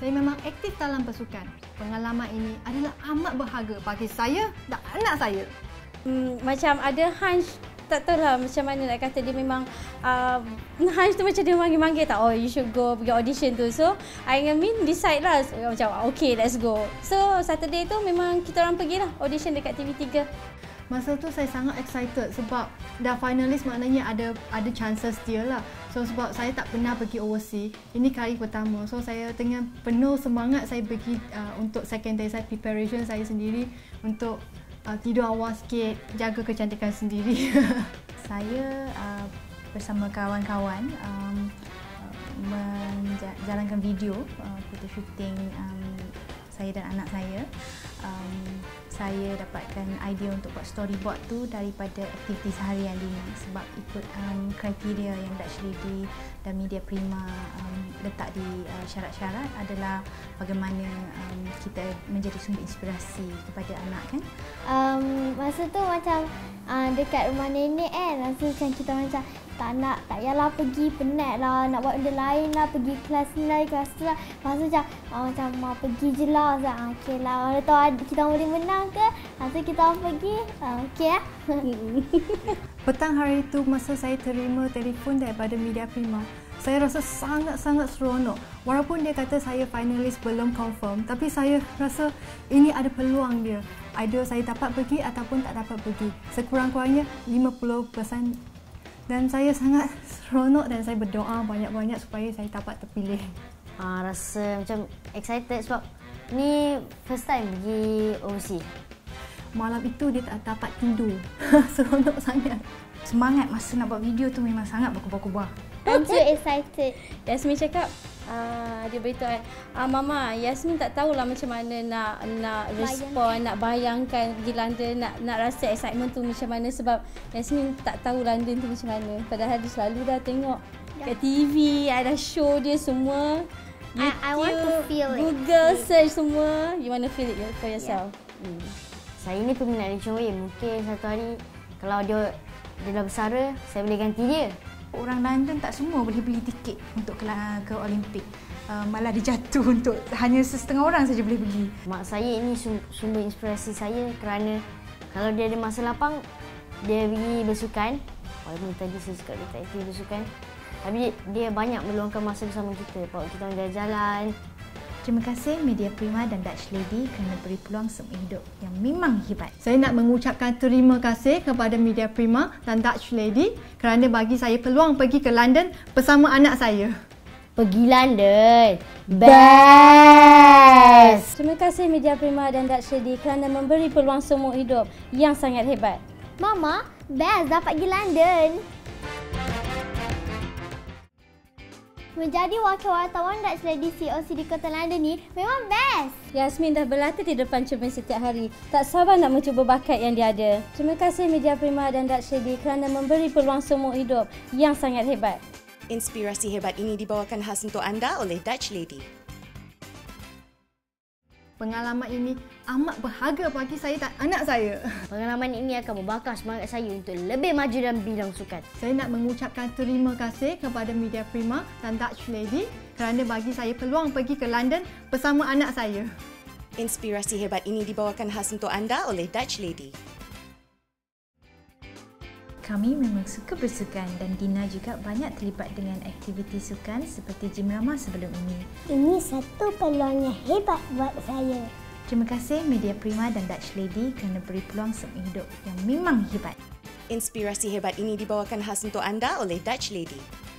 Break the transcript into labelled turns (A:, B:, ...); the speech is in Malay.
A: Saya memang aktif dalam pasukan. Pengalaman ini adalah amat berharga bagi saya dan anak saya.
B: Macam ada hunch, tak tahulah macam mana nak kata, dia memang hunch tu macam dia manggil-manggil tak, oh you should go pergi audition tu. So I and Min decide lah, macam okay let's go. So Saturday tu memang kita orang pergi lah audition dekat TV3.
A: Masa tu saya sangat excited sebab dah finalis, maknanya ada chances dia lah. So sebab saya tak pernah pergi overseas, ini kali pertama. So saya dengan penuh semangat saya pergi untuk second day saya preparation saya sendiri untuk tidur awal sikit, jaga kecantikan sendiri.
C: Saya bersama kawan-kawan menjalankan video photo shooting saya dan anak saya. Saya dapatkan idea untuk buat storyboard tu daripada aktiviti seharian Dina sebab ikut kriteria yang Dutch Lady dan Media Prima letak di syarat-syarat adalah bagaimana kita menjadi sumber inspirasi kepada anak kan.
D: Masa tu macam dekat rumah nenek kan, rasa macam kita macam tak payahlah pergi, penat lah, nak buat benda lain lah, pergi kelas ni lah, kelas tu lah. Lepas tu macam mau pergi je lah, okey lah, kalau tahu kita boleh menang ke, lepas tu kita pergi, okey lah.
A: Petang hari itu masa saya terima telefon daripada Media Prima, saya rasa sangat-sangat seronok. Walaupun dia kata saya finalis belum confirm, tapi saya rasa ini ada peluang dia. Either saya dapat pergi ataupun tak dapat pergi. Sekurang-kurangnya 50%. Dan saya sangat seronok dan saya berdoa banyak-banyak supaya saya dapat terpilih.
E: Rasa macam excited sebab ni first time pergi overseas.
A: Malam itu dia tak dapat tidur. Seronok sangat.
C: Semangat masa nak buat video tu memang sangat berkobar-kobar.
D: I'm so excited.
B: Yasmin cakap, dia beritahu Mama, Yasmin tak tahulah macam mana nak respon, nak bayangkan pergi London, nak rasa excitement tu macam mana sebab Yasmin tak tahu London tu macam mana. Padahal dia selalu dah tengok kat TV, ada show dia semua. YouTube,
D: I want to feel
B: Google search semua. You want to feel it for yourself.
E: Saya ni peminat Lee Chong Wei. Mungkin satu hari kalau dia dah bersara, saya boleh ganti dia.
C: Orang London tak semua boleh beli tiket untuk ke Olimpik. Malah dia jatuh untuk hanya setengah orang saja boleh beli.
E: Mak saya ini sumber inspirasi saya kerana kalau dia ada masa lapang, dia pergi bersukan. Walaupun tadi saya cakap dia tak aktif bersukan, tapi dia banyak meluangkan masa bersama kita. Bawa kita orang jalan-jalan.
C: Terima kasih Media Prima dan Dutch Lady kerana beri peluang seumur hidup yang memang hebat.
A: Saya nak mengucapkan terima kasih kepada Media Prima dan Dutch Lady kerana bagi saya peluang pergi ke London bersama anak saya.
E: Pergi London, best!
B: Terima kasih Media Prima dan Dutch Lady kerana memberi peluang seumur hidup yang sangat hebat.
D: Mama, best dapat pergi London. Menjadi wakil wartawan Dutch Lady COC di Kota London ni memang best.
B: Yasmin dah berlatih di depan cermin setiap hari. Tak sabar nak mencuba bakat yang dia ada. Terima kasih Media Prima dan Dutch Lady kerana memberi peluang seumur hidup yang sangat hebat.
F: Inspirasi hebat ini dibawakan khas untuk anda oleh Dutch Lady.
A: Pengalaman ini amat berharga bagi saya dan anak saya.
E: Pengalaman ini akan membakar semangat saya untuk lebih maju dalam bidang sukan.
A: Saya nak mengucapkan terima kasih kepada Media Prima dan Dutch Lady kerana bagi saya peluang pergi ke London bersama anak saya.
F: Inspirasi hebat ini dibawakan khas untuk anda oleh Dutch Lady.
C: Kami memang suka bersukan dan Dina juga banyak terlibat dengan aktiviti sukan seperti gym ramah sebelum ini.
D: Ini satu peluang yang hebat buat saya.
C: Terima kasih Media Prima dan Dutch Lady kerana beri peluang seumur hidup yang memang hebat.
F: Inspirasi hebat ini dibawakan khas untuk anda oleh Dutch Lady.